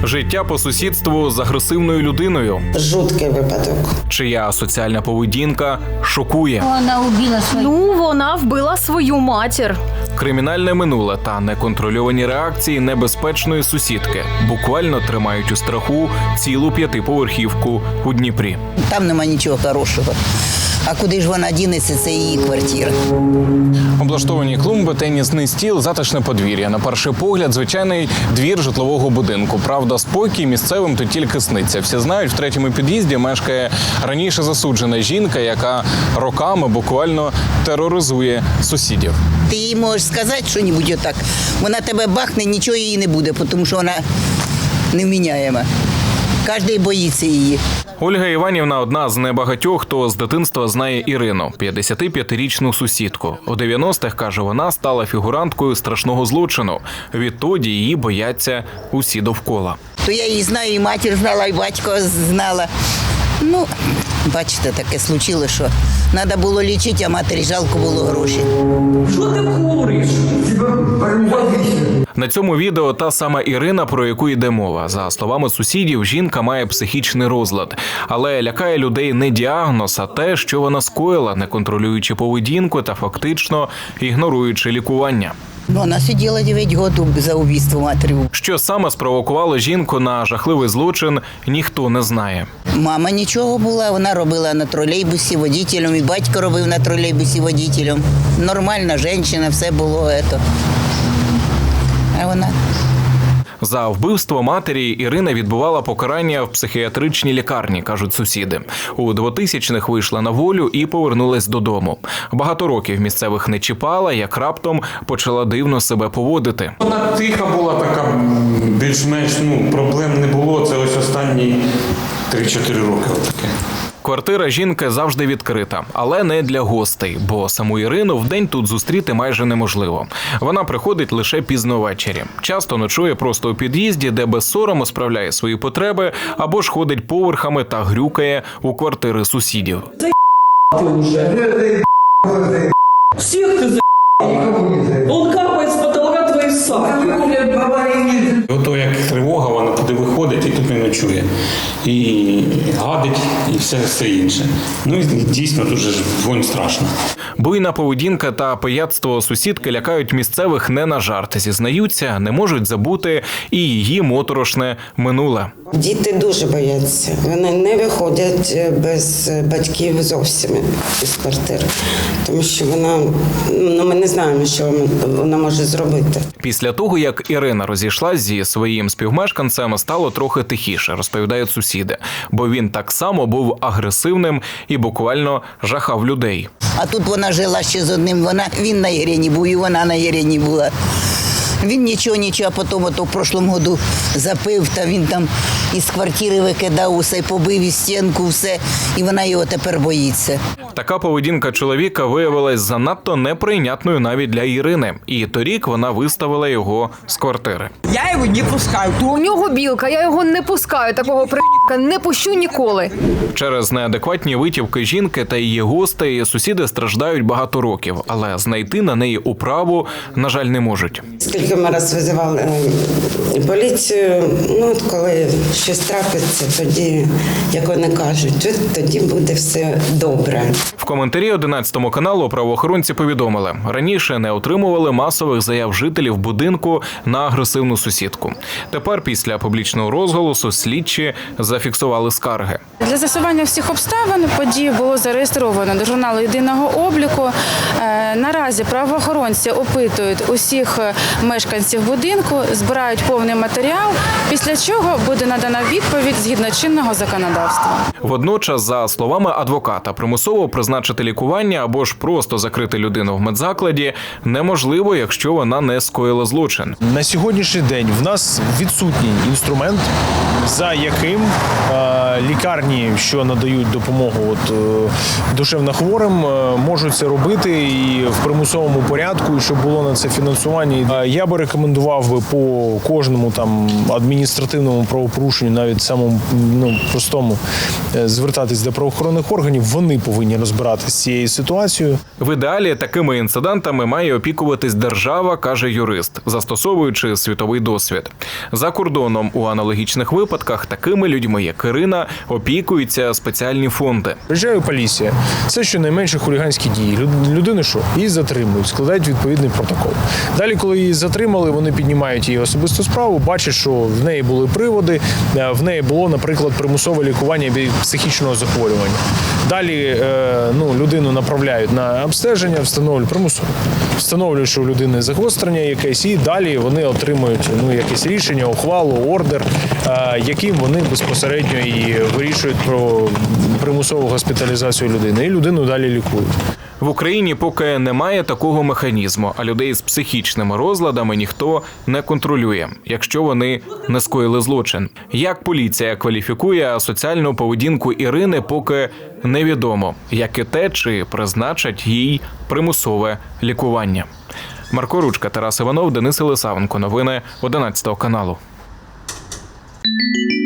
Життя по сусідству з агресивною людиною. Жуткий випадок. Чия соціальна поведінка шокує. Вона вбила свою. Вона вбила свою матір. Кримінальне минуле та неконтрольовані реакції небезпечної сусідки буквально тримають у страху цілу п'ятиповерхівку у Дніпрі. Там нема нічого хорошого. А куди ж вона дінеться, це її квартира. Облаштовані клумби, тенісний стіл, затишне подвір'я. На перший погляд, звичайний двір житлового будинку. Правда, спокій місцевим тут тільки сниться. Всі знають, в третьому під'їзді мешкає раніше засуджена жінка, яка роками буквально тероризує сусідів. Ти їй можеш сказати щось отак. Вона тебе бахне, нічого їй не буде, тому що вона невміняєма. Кожен боїться її. Ольга Іванівна – одна з небагатьох, хто з дитинства знає Ірину, 55-річну сусідку. У 90-х, каже вона, стала фігуранткою страшного злочину. Відтоді її бояться усі довкола. То я її знаю, і матір знала, і батько знала. Ну, бачите, таке случилось, що треба було лічити, а матері жалко було грошей. Що ти куриш? На цьому відео та сама Ірина, про яку йде мова. За словами сусідів, жінка має психічний розлад. Але лякає людей не діагноз, а те, що вона скоїла, не контролюючи поведінку та фактично ігноруючи лікування. Вона сиділа 9 років за вбивство матері. Що саме спровокувало жінку на жахливий злочин, ніхто не знає. Мама нічого була, вона робила на тролейбусі водителем, і батько робив на тролейбусі водителем. Нормальна жінка, все було це. А вона... За вбивство матері Ірина відбувала покарання в психіатричній лікарні, кажуть сусіди. У 2000-х вийшла на волю і повернулась додому. Багато років місцевих не чіпала, як раптом почала дивно себе поводити. Вона тиха була така, більш-менш, проблем не було. Це ось останні 3-4 роки отаке. Квартира жінки завжди відкрита, але не для гостей, бо саму Ірину вдень тут зустріти майже неможливо. Вона приходить лише пізно ввечері. Часто ночує просто у під'їзді, де без сорому справляє свої потреби, або ж ходить поверхами та грюкає у квартири сусідів. Ти вже. Всіх ти Он капає з потолка твої саки. Ото як тривога, вона туди виходить і тут не ночує. І гадить, і все інше. Ну і дійсно дуже вонь страшна. Буйна поведінка та пияцтво сусідки лякають місцевих не на жарт. Зізнаються, не можуть забути і її моторошне минуле. Діти дуже бояться. Вони не виходять без батьків зовсім із квартири. Тому що ми не знаємо, що вона може зробити. Після того, як Ірина розійшлась зі своїм співмешканцем, стало трохи тихіше, розповідають сусіди. Бо він так само був агресивним і буквально жахав людей. А тут вона жила ще з одним, він на Ірині був, і вона на Ірині була. Він нічого, а потім в прошлому году запив, та він там із квартири викидав усе, побив і стінку, все, і вона його тепер боїться. Така поведінка чоловіка виявилась занадто неприйнятною навіть для Ірини. І торік вона виставила його з квартири. Я його не пускаю. У нього білка, я його не пускаю, такого не пущу ніколи. Через неадекватні витівки жінки та її гостей сусіди страждають багато років, але знайти на неї управу, на жаль, не можуть. Скільки ми раз визивали поліцію, коли щось трапиться, тоді, як вони кажуть, тоді буде все добре. В коментарі 11 каналу правоохоронці повідомили, раніше не отримували масових заяв жителів будинку на агресивну сусідку. Тепер після публічного розголосу слідчі зафіксували скарги. Для з'ясування всіх обставин подію було зареєстровано до журналу єдиного обліку. Наразі правоохоронці опитують усіх мешканців будинку, збирають повний матеріал, після чого буде надана відповідь згідно чинного законодавства. Водночас, за словами адвоката, примусово призначити лікування або ж просто закрити людину в медзакладі неможливо, якщо вона не скоїла злочин. На сьогоднішній день в нас відсутній інструмент за яким лікарні, що надають допомогу душевнохворим, можуть це робити і в примусовому порядку, і щоб було на це фінансування. Я би рекомендував би по кожному там адміністративному правопорушенню, навіть самому простому, звертатись до правоохоронних органів. Вони повинні розбиратися з цією ситуацією. В ідеалі такими інцидентами має опікуватись держава, каже юрист, застосовуючи світовий досвід. За кордоном у аналогічних випадках такими людьми, як Ірина, опікуються спеціальні фонди. Приїжджає поліція. Це щонайменше хуліганські дії. Людину що? Її затримують, складають відповідний протокол. Далі, коли її затримали, вони піднімають її особисту справу, бачать, що в неї були приводи, в неї було, наприклад, примусове лікування від психічного захворювання. Далі людину направляють на обстеження, встановлюють, що у людини загострення якесь, і далі вони отримують якесь рішення, ухвалу, ордер, яким вони безпосередньо і вирішують про примусову госпіталізацію людини. І людину далі лікують. В Україні поки немає такого механізму, а людей з психічними розладами ніхто не контролює, якщо вони не скоїли злочин. Як поліція кваліфікує асоціальну поведінку Ірини, поки невідомо, як і те, чи призначать їй примусове лікування. Марко Ручка, Тарас Іванов, Денис Єлисавенко. Новини 11 каналу.